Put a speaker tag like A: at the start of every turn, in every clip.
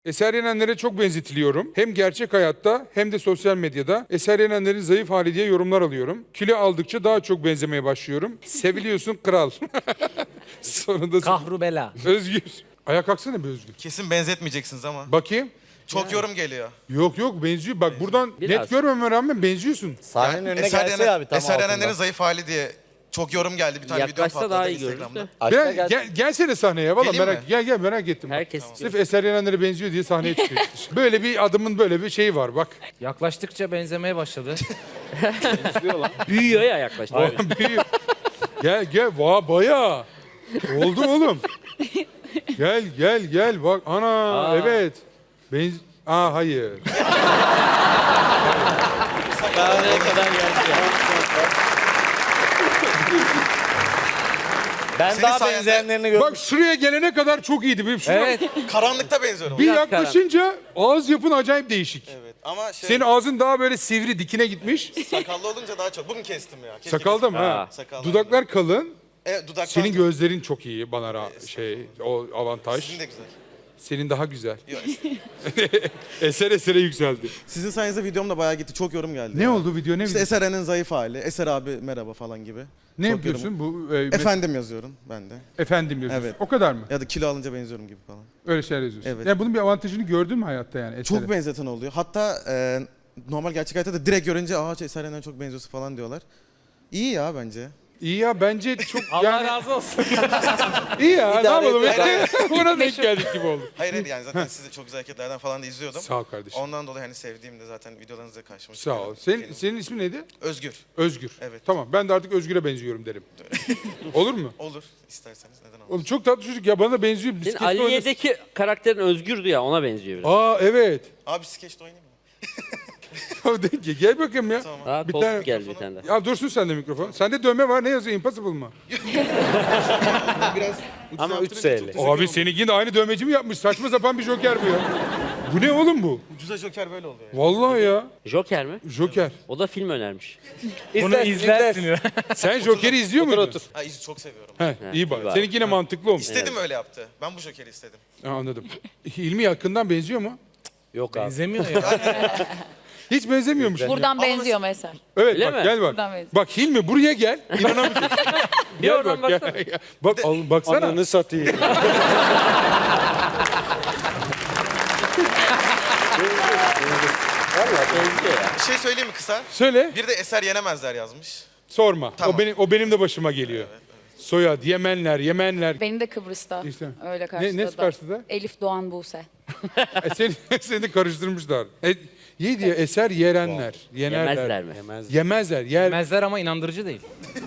A: Eser Yenenler'e çok benzetiliyorum. Hem gerçek hayatta hem de sosyal medyada. Eser Yenenler'in zayıf hali diye yorumlar alıyorum. Kilo aldıkça daha çok benzemeye başlıyorum. Seviliyorsun kral. Sonunda
B: Kahrubela.
A: Özgür. Ayağa kalksana be Özgür.
C: Kesin benzetmeyeceksiniz ama.
A: Bakayım.
C: Çok yorum geliyor.
A: Yok benziyor. Bak buradan
D: Biraz.
A: net görmeme rağmen benziyorsun.
E: Sahnenin önüne gelse abi tam
C: Eser
E: altında.
C: Yenenler'in zayıf hali diye çok yorum geldi. Bir tane video
D: Yaklaşsa
C: patladı
D: daha iyi görürüz
C: Instagram'da.
D: de.
E: Aşağı
A: Biraz,
E: gel.
A: gelsene sahneye valla
C: Geleyim
A: merak
C: mi?
A: gel merak ettim. Bak.
D: Herkes
A: Sırf Eser Yenenler'e benziyor diye sahneye çıkıyor. Böyle bir adamın böyle bir şeyi var bak.
B: Yaklaştıkça benzemeye başladı.
D: Büyüyor ya yaklaştıkça.
A: Büyüyor. Gel bayağı. Oldu oğlum. Gel bak ana evet. Hayır.
D: Nereye kadar geldi ya.
E: Ben
C: Senin
E: daha
C: sayende-
E: benzeyenlerini gördüm.
A: Bak şuraya gelene kadar çok iyiydi.
B: Evet.
C: Karanlıkta benziyorum.
A: Bir
D: Biraz
A: yaklaşınca ağız yapın acayip değişik.
C: Evet ama
A: Senin ağzın daha böyle sivri dikine gitmiş.
C: sakallı olunca daha çok. Bugün kestim ya. Keşke
A: Sakalda mı ha?
C: Sakallı.
A: Dudaklar kalın.
C: Evet dudaklar.
A: Senin gözlerin çok iyi bana o avantaj.
C: Sizin de güzel.
A: Senin daha güzel.
C: Yok.
A: Esere yükseldi.
F: Sizin sayenizde videom da bayağı gitti. Çok yorum geldi.
A: Ne oldu video ne
F: İşte
A: video?
F: Eser Eren'in zayıf hali. Eser abi merhaba falan gibi.
A: Ne
F: çok
A: yapıyorsun bu?
F: Efendim yazıyorum ben de.
A: Efendim yazıyorsun.
F: Evet.
A: O kadar mı?
F: Ya da kilo alınca benziyorum gibi falan.
A: Öyle şeyler yazıyorsun.
F: Evet.
A: Yani bunun bir avantajını gördün mü hayatta yani? Eser'e?
F: Çok benzeten oluyor. Hatta normal gerçek hayatta da direkt görünce Eser Eren'e çok benziyorsun falan diyorlar. İyi ya bence.
A: İyi ya bence çok
B: Allah
A: yani
B: razı olsun.
A: iyi ya ne
E: İdare
A: yapalım
E: et.
A: ona denk geldik gibi oldu.
C: Hayır yani zaten sizi çok güzel hareketlerden falan da izliyordum.
A: Sağ ol kardeşim.
C: Ondan dolayı hani sevdiğimde zaten videolarınızda karşıma
A: Sağ ol. Senin ismin neydi?
C: Özgür.
A: Özgür.
C: Evet.
A: Tamam ben de artık Özgür'e benziyorum derim. Olur mu?
C: Olur isterseniz neden olmaz.
A: Oğlum çok tatlı çocuk ya bana da benziyor.
D: Senin
A: Bisikletle oynasın.
D: Aliye'deki karakterin Özgür'dü ya ona benziyor biraz.
A: Aa evet.
C: Abi skeçte oynayayım mı?
A: Gel bakayım ya.
C: Tamam.
D: Daha
A: Bir
D: top
A: tane-
D: geldi bir tane de.
A: Ya dursun sende mikrofon. Sende dövme var ne yazıyor? Impossible mı?
E: Ama 3 SL.
A: Abi seninkini de aynı dövmeci mi yapmış? Saçma sapan bir joker bu ya. Bu ne oğlum bu?
C: Ucuza joker böyle oluyor.
A: Vallahi ya.
D: Joker mi?
A: Joker.
D: O da film önermiş.
B: Bunu izlersin.
A: Sen Joker'i izliyor muydun?
C: Ha çok seviyorum.
A: He, iyi bak.
D: var.
A: Seninki yine mantıklı olmuş.
C: İstedim öyle yaptı. Ben bu jokeri istedim.
A: Ha, anladım. Hilmi yakından benziyor mu?
E: Yok abi.
B: Benzemiyor ya.
A: Hiç benzemiyormuş.
G: Buradan benziyor mesela.
A: Evet
D: Öyle
A: bak
D: mi?
A: gel bak.
G: Buradan benziyor.
A: Bak Hilmi buraya gel. İnanamayacaksın.
D: Bir oradan
A: bak, gel,
D: baksana.
A: gel. Bak baksana.
E: Ananı satayım.
D: Benziyor ya.
C: Bir şey söyleyeyim mi kısa?
A: Söyle.
C: Bir de Eser Yenemezler yazmış.
A: Sorma.
C: Tamam.
A: O benim de başıma geliyor. Soyad, Yemenler.
G: Benim de Kıbrıs'ta.
A: İşte.
G: Öyle
A: Ne
G: karşıladı.
A: karşıda?
G: Elif Doğan Buse.
A: Seni de karıştırmışlar. Ye diye Eser Yerenler.
D: Yemezler mi?
A: Yemezler.
B: Yemezler ama inandırıcı değil.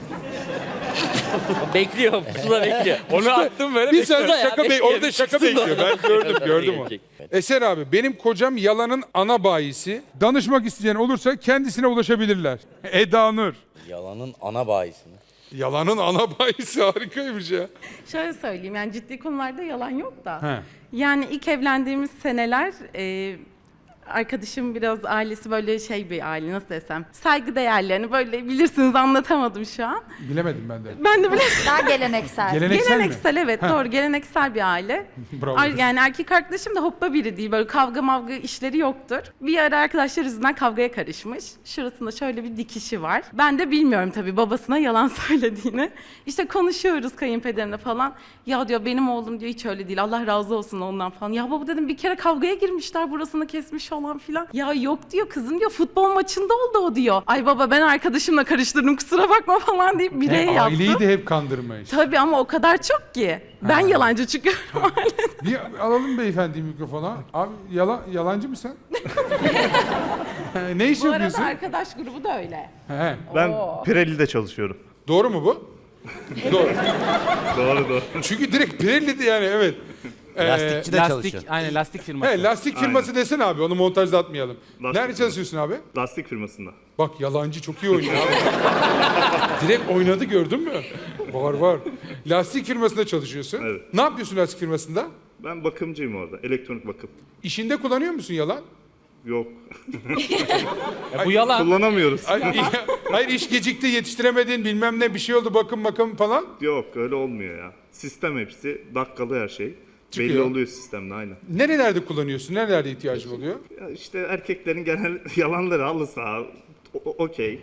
D: Bekliyor. Pusula bekliyor.
B: Onu attım böyle.
A: Bir sen
D: Bekliyor ya,
A: şaka
D: bekliyor.
A: orada şaka bekliyor. Ben gördüm onu.
D: Gelecek.
A: Eser abi benim kocam yalanın ana bayisi. Danışmak isteyen olursa kendisine ulaşabilirler. Eda Nur.
E: Yalanın ana bayisi mi?
A: Yalanın ana bayisi harikaymış ya.
H: Şöyle söyleyeyim yani ciddi konularda yalan yok da.
A: He.
H: Yani ilk evlendiğimiz seneler arkadaşım biraz ailesi böyle şey bir aile nasıl desem saygıdeğerli yani böyle bilirsiniz anlatamadım şu an.
A: Bilemedim ben de.
H: Ben de böyle
G: Daha geleneksel.
A: Geleneksel mi?
H: geleneksel evet doğru geleneksel bir aile.
A: Bravo.
H: Yani erkek arkadaşım da hoppa biri değil böyle kavga mavga işleri yoktur. Bir ara arkadaşlar yüzünden kavgaya karışmış. Şurasında şöyle bir dikişi var. Ben de bilmiyorum tabii babasına yalan söylediğini. İşte konuşuyoruz kayınpederimle falan. Ya diyor benim oğlum diyor hiç öyle değil Allah razı olsun ondan falan. Ya baba dedim bir kere kavgaya girmişler burasını kesmiş falan filan. Ya yok diyor kızım diyor futbol maçında oldu o diyor. Ay baba ben arkadaşımla karıştırdım kusura bakma falan deyip bireye yaptım.
A: Aileyi de hep kandırmış.
H: Tabii ama o kadar çok ki. Ben yalancı çıkıyorum aileden.
A: Bir alalım beyefendi mikrofona. Abi yalancı mısın? Ne iş
H: Bu arada
A: yapıyorsun?
H: arkadaş grubu da öyle.
A: He.
I: Ben
H: Oo.
I: Pirelli'de çalışıyorum.
A: Doğru mu bu? Doğru.
I: Doğru.
A: Çünkü direkt Pirelli'di yani evet.
E: Lastikçi de çalışıyor.
B: Aynen lastik firması.
A: He, lastik firması desene abi onu montajda atmayalım.
I: Lastik
A: Nerede çalışıyorsun abi?
I: Lastik firmasında.
A: Bak yalancı çok iyi oynuyor abi. Direkt oynadı gördün mü? Var. Lastik firmasında çalışıyorsun.
I: Evet.
A: Ne yapıyorsun lastik firmasında?
I: Ben bakımcıyım orada. Elektronik bakım.
A: İşinde kullanıyor musun yalan?
I: Yok.
B: Bu yalan.
I: Kullanamıyoruz.
A: Hayır iş gecikti yetiştiremedin bilmem ne bir şey oldu bakım falan.
I: Yok öyle olmuyor ya. Sistem hepsi. Dakikalı her şey. Belli
A: Çıkıyor.
I: oluyor sistemde aynen.
A: Nerelerde kullanıyorsun? Nerelerde ihtiyacın oluyor?
I: Ya işte erkeklerin genel yalanları halı saha, okey.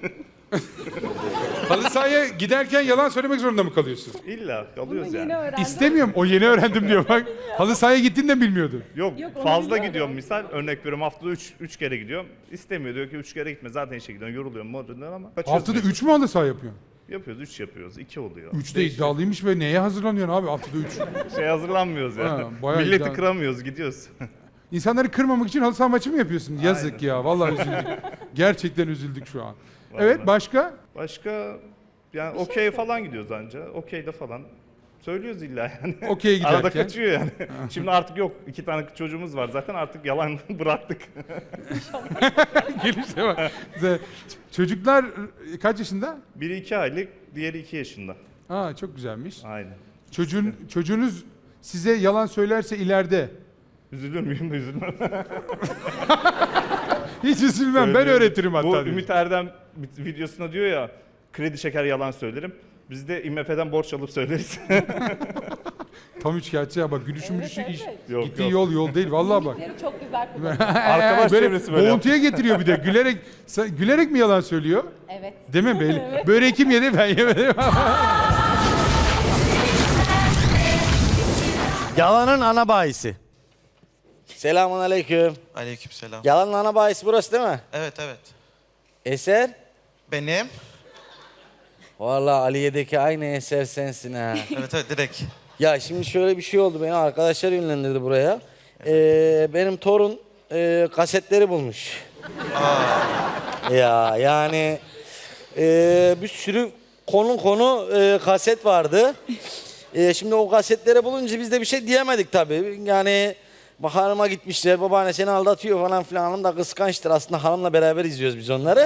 A: Halı sahaya giderken yalan söylemek zorunda mı kalıyorsun?
I: İlla kalıyoruz yani.
A: İstemiyorum. O yeni öğrendim diyor bak. Halı sahaya gittin de bilmiyordun.
I: Yok fazla gidiyorum misal. Örnek veriyorum haftada 3 kere gidiyorum. İstemiyor diyor ki 3 kere gitme zaten işe gidiyorsun yoruluyorum modundan ama. kaçıyoruz
A: Haftada
I: yani.
A: 3 mü halı saha yapıyorsun?
I: Yapıyoruz 3 yapıyoruz 2 oluyor.
A: 3 de iddialıymış ve neye hazırlanıyorsun abi haftada 3?
I: Şey hazırlanmıyoruz ya.
A: Ha, bayağı
I: Milleti
A: iddia-
I: kıramıyoruz gidiyoruz.
A: İnsanları kırmamak için halı saha maçı mı yapıyorsun? Yazık
I: Aynen.
A: ya. Vallahi üzüldük. Gerçekten üzüldük şu an. Evet başka?
I: Başka yani okey falan gidiyoruz anca. Okey'de falan. Söylüyoruz illa yani.
A: Okey'e giderken.
I: Arada kaçıyor yani. Şimdi artık yok. 2 tane çocuğumuz var zaten artık yalan bıraktık.
A: Gelişe bak. Çocuklar kaç yaşında?
I: Biri 2 aylık, diğeri 2 yaşında.
A: Aa çok güzelmiş.
I: Aynen.
A: Çocuğunuz size yalan söylerse ileride
I: Üzülür müyüm? Üzülmem.
A: hiç üzülmem. Ben öğretirim hatta.
I: Bu
A: diyor.
I: Ümit Erdem videosunda diyor ya kredi çeker yalan söylerim. Biz de IMF'den borç alıp söyleriz.
A: Tam üçkağıtçı ya bak gülüşü iş.
I: Yok,
A: Gittiği
I: yok.
A: yol değil vallahi bak.
H: Çok güzel.
I: Arkadaş çevresi böyle
A: boğuntuya getiriyor bir de. Gülerek mi yalan söylüyor?
H: Evet.
A: Değil mi? Böreği kim yedi ben yemedim.
E: Yalanın ana bahisi. Selamun aleyküm.
C: Aleykümselam.
E: Yalanın ana bahisi burası değil mi?
C: Evet evet.
E: Eser?
C: Benim.
E: Vallahi Aliye'deki aynı eser sensin ha.
C: Evet evet direkt.
E: Ya şimdi şöyle bir şey oldu. Beni arkadaşlar yönlendirdi buraya. Benim torun kasetleri bulmuş. Ya yani bir sürü konu kaset vardı. Şimdi o kasetleri bulunca biz de bir şey diyemedik tabii. Yani hanıma gitmişler, babaanne seni aldatıyor falan filan. Hanım da kıskançtır. Aslında hanımla beraber izliyoruz biz onları.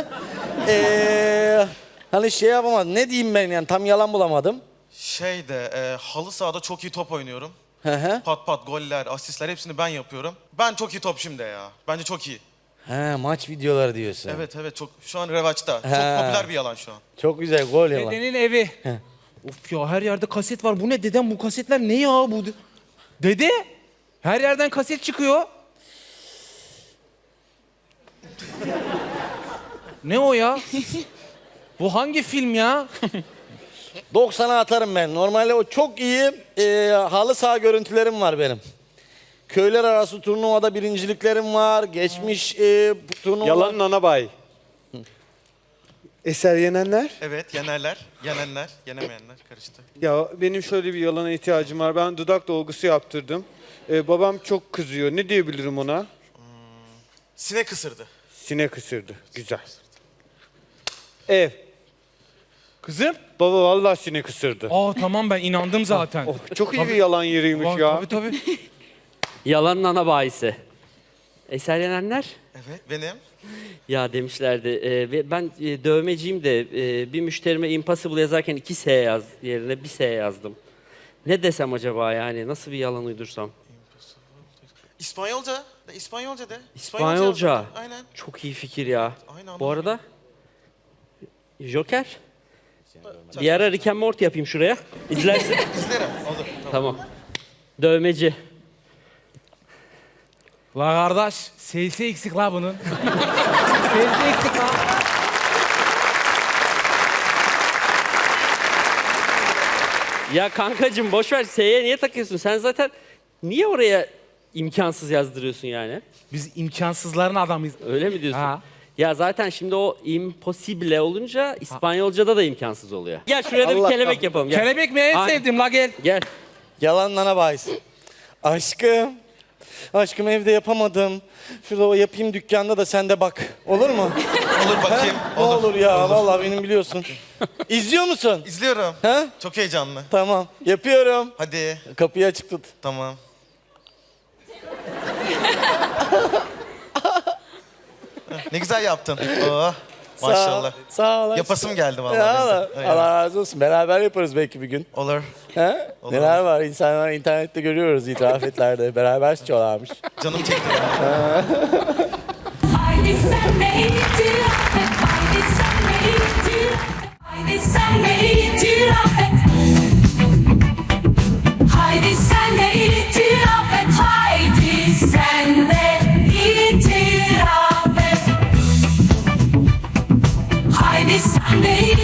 E: Hani şey yapamadım. Ne diyeyim ben yani tam yalan bulamadım.
C: Halı sahada çok iyi top oynuyorum.
E: Hı hı.
C: Pat pat goller, asistler hepsini ben yapıyorum. Ben çok iyi topçuyum de ya. Bence çok iyi.
E: He maç videoları diyorsun.
C: Evet evet çok şu an revaçta. Çok
E: Ha.
C: popüler bir yalan şu an.
E: Çok güzel gol yalan.
B: Dedenin evi. Of ya her yerde kaset var. Bu ne dedem bu kasetler ne ya bu? Dede her yerden kaset çıkıyor. Ne o ya? Bu hangi film ya?
E: 90'a atarım ben. Normalde o çok iyi halı saha görüntülerim var benim. Köyler arası turnuvada birinciliklerim var. Geçmiş turnuva.
J: Yalanın ana bayi. Eser yenenler.
C: Evet yenerler, yenenler, yenemeyenler karıştı.
J: Ya benim şöyle bir yalana ihtiyacım var. Ben dudak dolgusu yaptırdım. Babam çok kızıyor. Ne diyebilirim ona?
C: Sinek ısırdı.
J: Sinek ısırdı. Güzel. Ev.
B: Kızım?
J: Baba vallahi sinek ısırdı.
B: Aa tamam ben inandım zaten.
J: Oh, çok iyi bir yalan yeriymiş
B: Var,
J: ya.
B: Tabii.
D: Yalanın ana bahisi. Eser yenenler?
C: Evet benim.
D: Ya demişlerdi. Ben dövmeciyim de bir müşterime impossible yazarken 2 S yaz yerine 1 S yazdım. Ne desem acaba yani? Nasıl bir yalan uydursam?
C: İspanyolca. İspanyolca de.
D: İspanyolca.
C: yazdım. Aynen.
D: Çok iyi fikir ya.
C: Aynen,
D: Bu arada Joker. Bir ara Rick and Morty yapayım şuraya. İzlersin.
C: İzlerim. Olur. Tamam.
D: Tamam. Dövmeci.
B: La kardeş, sesi eksik la bunun. Sesi eksik la.
D: Ya kankacığım boş ver. S'ye niye takıyorsun? Sen zaten niye oraya imkansız yazdırıyorsun yani?
B: Biz imkansızların adamıyız.
D: Öyle mi diyorsun?
B: Ha.
D: Ya zaten şimdi o impossible olunca İspanyolca'da da imkansız oluyor. Gel şuraya da bir kelebek yapalım. Gel.
B: Kelebek mi en
D: Ay.
B: sevdiğim la gel.
D: Gel.
E: Yalanın ana bahisi. Aşkım. Aşkım evde yapamadım. Şurada o yapayım dükkanda da sen de bak. Olur mu?
C: Olur bakayım.
E: Ne olur ya vallahi benim biliyorsun. İzliyor musun?
C: İzliyorum.
E: Ha?
C: Çok heyecanlı.
E: Tamam. Yapıyorum.
C: Hadi.
E: Kapıyı açık tut.
C: Tamam. Ne güzel yaptın. Oh, maşallah.
E: Sağ ol.
C: Yapasım geldi vallahi.
E: Ya
C: benim de.
E: Allah,
C: Aynen.
E: Allah razı olsun. Beraber yaparız belki bir gün.
C: Olur.
E: He?
C: Olur.
E: Neler var? İnsanlar internette görüyoruz itirafetlerde. Beraber sıçıyorlarmış.
C: Canım çekti.
K: Haydi sen beni itiraf et. Haydi sen beni itiraf et. Haydi sen beni itiraf et. Haydi sen de itiraf et. Friday, Sunday.